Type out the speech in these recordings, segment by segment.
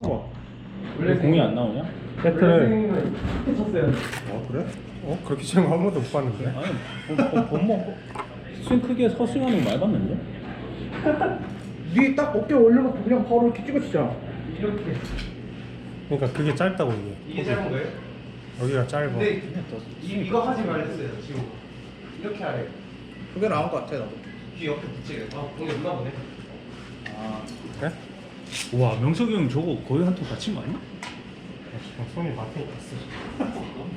바꿔. 원래 공이 안 나오냐? 세트를. 쳤어요. 그래? 그렇게 치는 거 한 번도 못 봤는데. 아니 뭐 스윙 크게 서스윙하는 거 많이 봤는데? 니 딱 어깨 올려놓고 그냥 바로 이렇게 찍어치잖아. 이렇게. 그러니까 그게 짧다고 이게. 이게 짧은 거예요? 여기가 짧아. 근데 이거 하지 말랬어요 지금. 이렇게 하래. 그게 나은 것 같아 나도. 귀 옆에 붙이게. 아 공이 없나 보네. 아 그래? 우와 명석이 형 저거 거의 한 통 다친 거 아니야? 손이 마트에 갔어.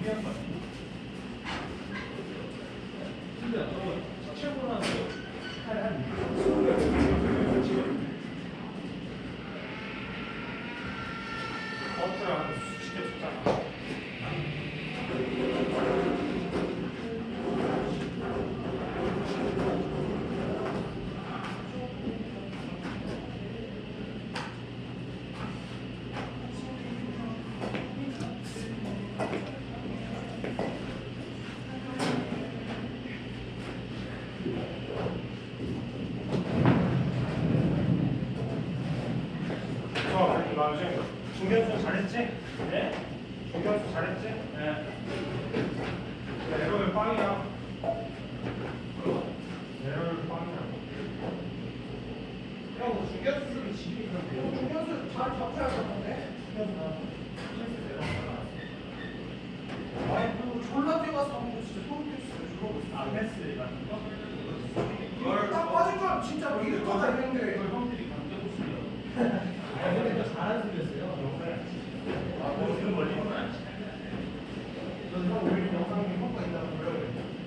중견수 잘했지? 네? 중견수 잘했지? 네. 에러를 빵이야. 에러를 빵이야. 형 중견수를 지금 그런데요. 중견수 잘 잡혀야 되는데. 아니 그 졸라 뛰어가서 하는 거 진짜 소름 끼쳤어요. 안 했을 같은 거? 이걸 딱 빠진 건 진짜 뭐 이럴 거다 했는데. 형들이 강제로 쓰려. 잘하는 소리였어요. 뭐 지금 걸리는 건 아니지. 형 우리 영상에 효과 있다고 그래요.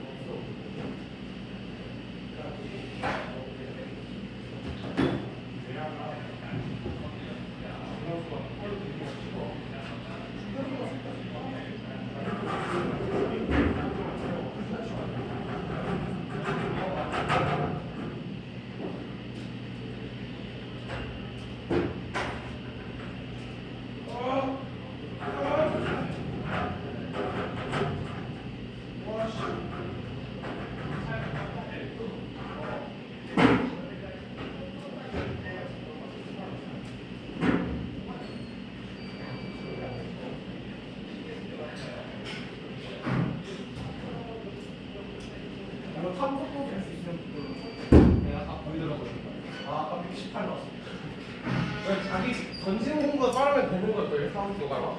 이거 탑속도 될수 있는 내가 다 보이더라고요. 아까 118 나왔어. 왜 자기 던지는 공보다 빠르면 되는 거예요? 사운드 도가가?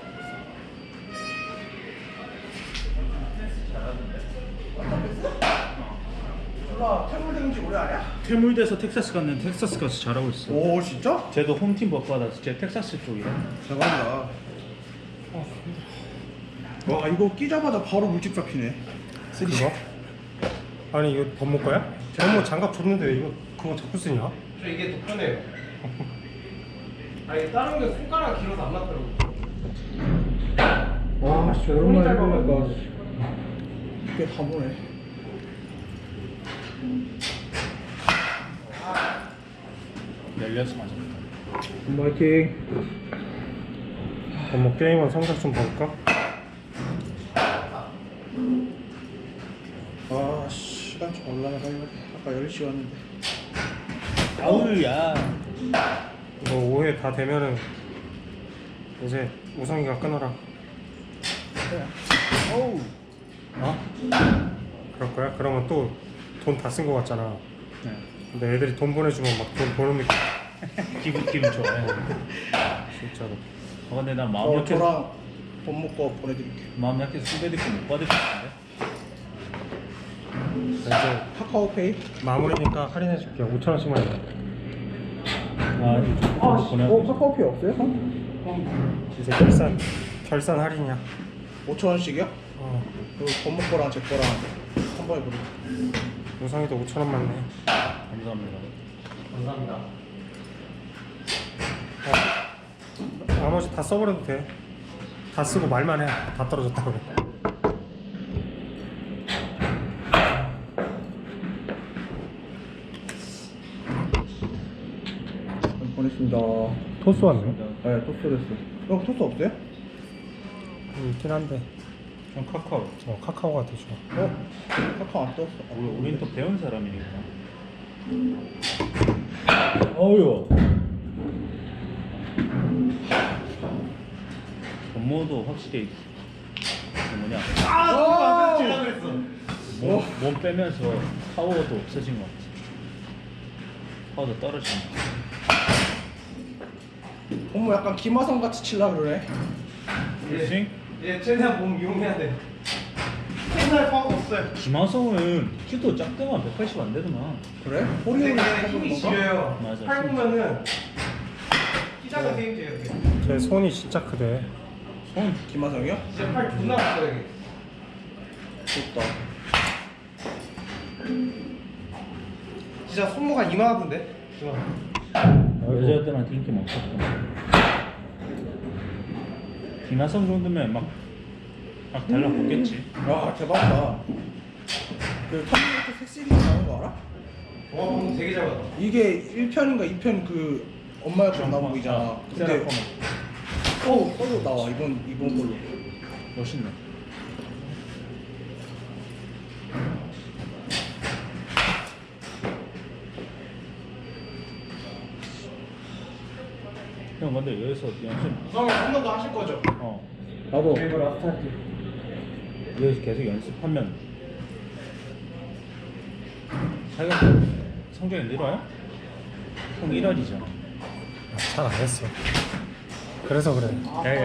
졸라 태물된 지 오래 아냐? 퇴물돼서 텍사스 갔는데 텍사스 가서 잘하고 있어. 오 진짜? 쟤도 홈팀 버프 받아서 쟤 텍사스 쪽이야. 대박이다. 와 이거 끼자마자 바로 물집 잡히네. 그거? 아니 이거 범모 거야? 범모 장갑 줬는데 왜 이거 그거 자꾸 쓰냐? 저 이게 더 편해요. 아니 다른 게 손가락 길어서 안 맞더라고. 와 씨, 오랜만에 해보니까 이게 다 보네. 열려서 맞았다. 화이팅. 범모 게임은 성적 좀 볼까? 아 시간 좀 올라가야 돼. 아까 10시 왔는데. 아우야. 이거 5회 다 되면은 이제 우성이가 끊어라. 어우. 어? 그럴 거야? 그러면 또 돈 다 쓴 거 같잖아. 네. 근데 애들이 돈 보내주면 막 돈 보는 느낌. 기분 좋아요. 진짜로. 근데 난 마음 약해서 저랑 돈 먹고 보내드릴게. 마음 약해서 후배들이 못 받을 것 같은데. 이제 카카오페이. 마무리니까 할인해줄게. 5,000원씩만 해. 아, 이거 보내. 카카오페이 없어요? 이제 결산 할인이야. 5,000원씩이요? 어. 그 돈 먹고랑 제 거랑 한 번에 보내. 우성이도 5,000원만 내. 감사합니다. 감사합니다. 나머지 다 써버려도 돼. 다 쓰고 말만 해. 다 떨어졌다고 그래. 보냈습니다. 토스 왔네. 네, 토스 됐어. 형 토스 없어요? 있긴 한데. 전 카카오. 카카오가 더 좋아. 카카오 안 떴어. 우린 또 배운 사람이니까. 어휴. 안무도 확실히 그 뭐냐 아, 제가 그랬어. 몸 빼면서 파워도 없어진 것 같아. 파워도 떨어지는 것 같아. 어머 약간 김하성 같이 칠라 그래. 그렇지? 얘 최대한 몸 이용해야 돼. 옛날 파워가 없어요. 김하성은 키도 작더만 180 안 되더만. 그래? 근데 호리호리 얘 힘이 지려요. 맞아, 팔 힘이 보면은 키 작은 게임즈예요. 이렇게. 제 손이 진짜 크대. 손 김하성이요? 진짜 팔 존나 커요 이게. 좋다. 진짜 손모가 이만하던데. 여자들한테 인기 많었던. 김하성 정도면 막 달라붙겠지. 야 대박이다. 그 터미네이터 새 시리즈 나온 거 알아? 와 방금 되게 잘 봤다. 이게 1편인가 2편 그 엄마의 건 나온 거 있잖아. 근데 세라코마. 서로 나와 이번 걸로. 멋있네. 형 근데 여기서 연습 우성이 한 번 더 하실 거죠? 나도. 여기서 계속 연습하면 자기가 성적이 늘어요? 형 1할이잖아. 잘 안 했어. 그래서 그래.